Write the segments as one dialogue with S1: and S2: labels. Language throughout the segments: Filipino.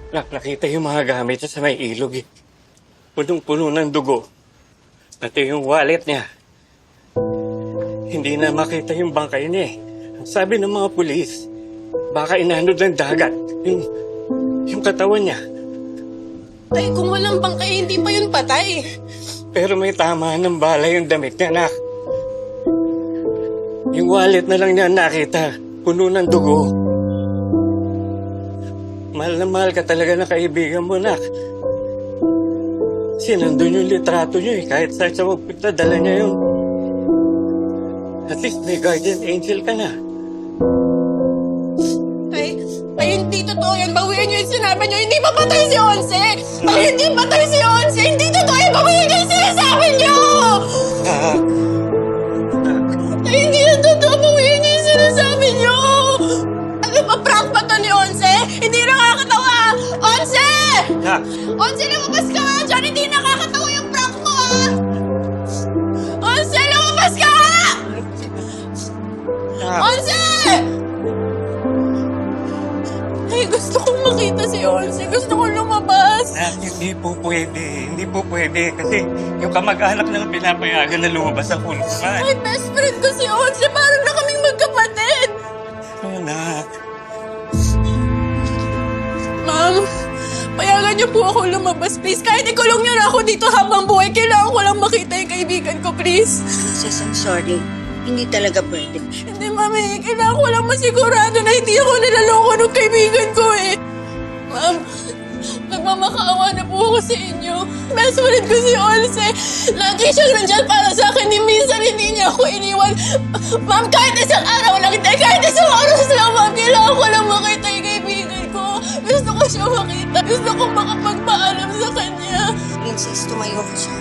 S1: Nakita yung mga gamit niya sa may ilog eh. Punong-puno ng dugo. Pati yung wallet niya. Hindi na makita yung bangkay niya eh. Ang sabi ng mga pulis, baka inanod ng dagat yung katawan niya.
S2: Tay, kung walang bangkay, hindi pa yun patay.
S1: Pero may tama ng bala yung damit niya, anak. Yung wallet na lang niya nakita, puno ng dugo. Mahal na mahal ka talaga ng kaibigan mo, anak. Sinandun yung litrato niyo eh. Kahit saan siya magpunta, dala niya yun. At least may guardian angel ka na.
S2: Ay, hindi totoo yan. Bawiin niyo yung sinabi niyo. Hindi pa patay si Onse! Ay, hindi patay si Onse! Hindi totoo yan! Bawiin niyo yung sinasabi niyo! Ay, hindi yan totoo. Bawiin niyo yung sinasabi niyo! Ano ba, prank ba to ni Onse? Hindi nakakatawa! Onse! Onse, lumabas ka nga dyan! Hindi nakakatawa yung prank mo, ah! Onse, lumabas ka nga! Onse! Ay, gusto kong makita si Onse. Gusto kong lumabas.
S1: Hindi po pwede. Hindi po pwede. Kasi yung kamag-anak lang pinapayagan na lumabas ang kulungan.
S2: Ay, best friend ko si Onse. Parang na kaming magkapatid.
S1: Anak.
S2: Ma'am, payagan niyo po ako lumabas, please. Kahit ikulong niyo na ako dito habang buhay, kailangan ko lang makita yung kaibigan ko, please.
S3: Princess, I'm sorry. Hindi talaga pwede.
S2: Hindi, mami. Kailangan ko lang masigurado na hindi ako nilaloko ng kaibigan ko, eh. Ma'am, nagmamakaawa na po ako sa inyo. Best friend ko si Onse. Lagi siyang nandyan para sa akin. Ni minsan hindi niya ako iniwan. Ma'am, kahit isang araw lang, hindi, kahit isang oras lang, ma'am, kailangan ko lang makita yung kaibigan ko. Gusto ko siya makita. Gusto ko makapagpaalam sa kanya.
S3: Princess, tumayo ka siya.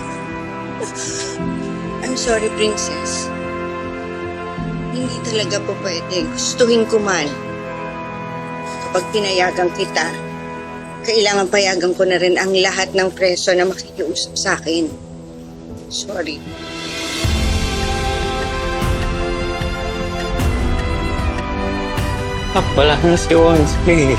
S3: I'm sorry, Princess. Hindi talaga po pwede. Gustuhin ko man. Kapag pinayagan kita, kailangan payagan ko na rin ang lahat ng preso na makikiusap sa akin. Sorry.
S1: Wala na si Onse.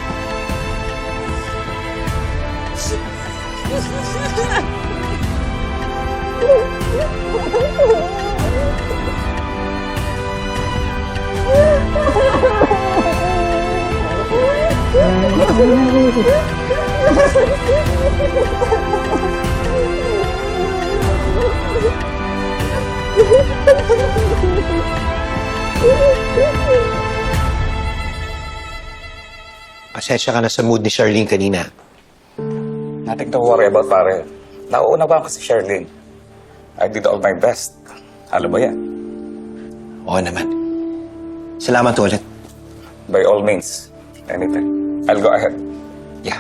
S4: Pasensya ka na sa mood ni Charlene kanina.
S5: Nothing to worry about, pare. Nauuna ba ako si Sherlyn? I did all my best. Alam mo yan.
S4: Oo naman. Salamat ulit.
S5: By all means. Anything. I'll go ahead.
S4: Yeah.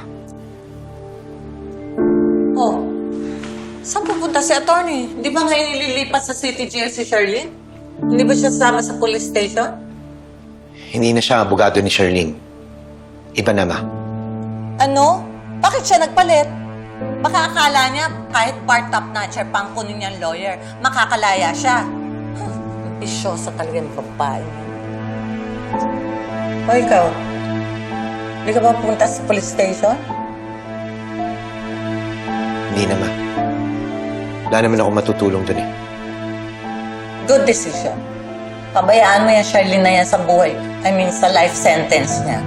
S6: Oh, saan pupunta si attorney? Di ba ngayon ililipat sa City Jail si Charlene? Hindi ba siya sama sa police station?
S4: Hindi na siya abogado ni Charlene. Iba na, ma.
S6: Ano? Bakit siya nagpalit? Baka akala niya kahit part-top notcher pang kunin niyang lawyer, makakalaya siya. Bisyosa talaga yung babae niya. O ikaw, hindi ka ba pupunta sa police station?
S4: Hindi na, ma. Wala naman ako matutulong dun eh.
S6: Good decision. Pabayaan mo yan, Charlene, na yan sa buhay. I mean, sa life sentence niya.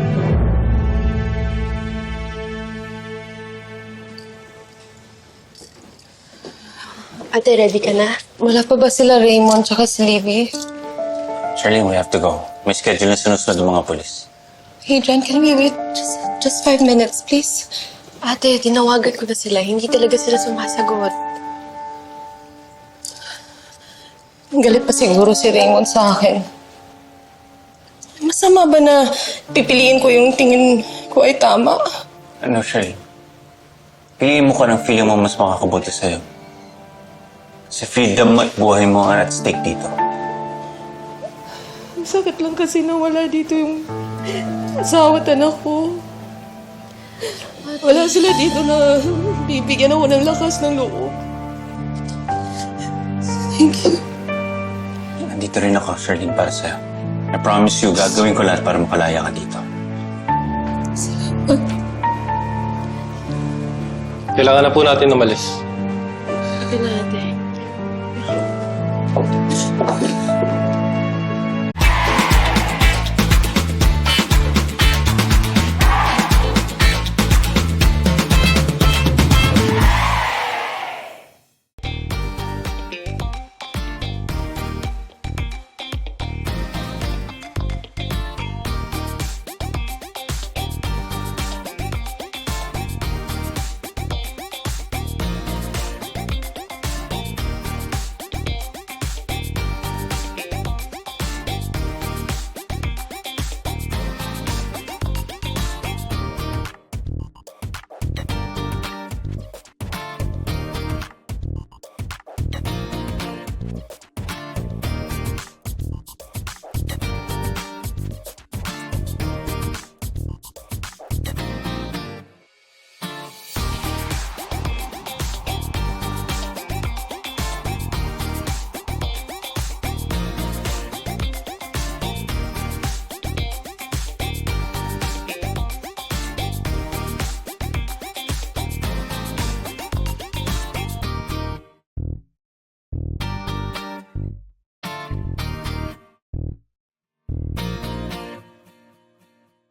S2: Ate, ready ka na? Wala pa ba sila Raymond tsaka si Livy?
S7: Charlene, we have to go. May schedule na sinusunod ng mga polis.
S2: Hey, John, can we wait just 5 minutes, please? Ate, tinawagan ko na sila. Hindi talaga sila sumasagot. Galit pa siguro si Raymond sa akin. Masama ba na pipiliin ko yung tingin ko ay tama?
S7: Ano, Charlene? Piliin mo ka ng feeling mo mas makakabuti sa'yo. Sa freedom at buhay mo ang at stake dito.
S2: Ang sakit lang kasi nawala dito yung asawa at anak ko. Wala sila dito na bibigyan ako ng lakas ng loob. Thank you.
S7: Nandito rin ako, Charlene, para sa'yo. I promise you, gagawin ko lahat para makalaya ka dito.
S2: Salamat.
S8: Kailangan na po natin umalis.
S2: Sabi natin.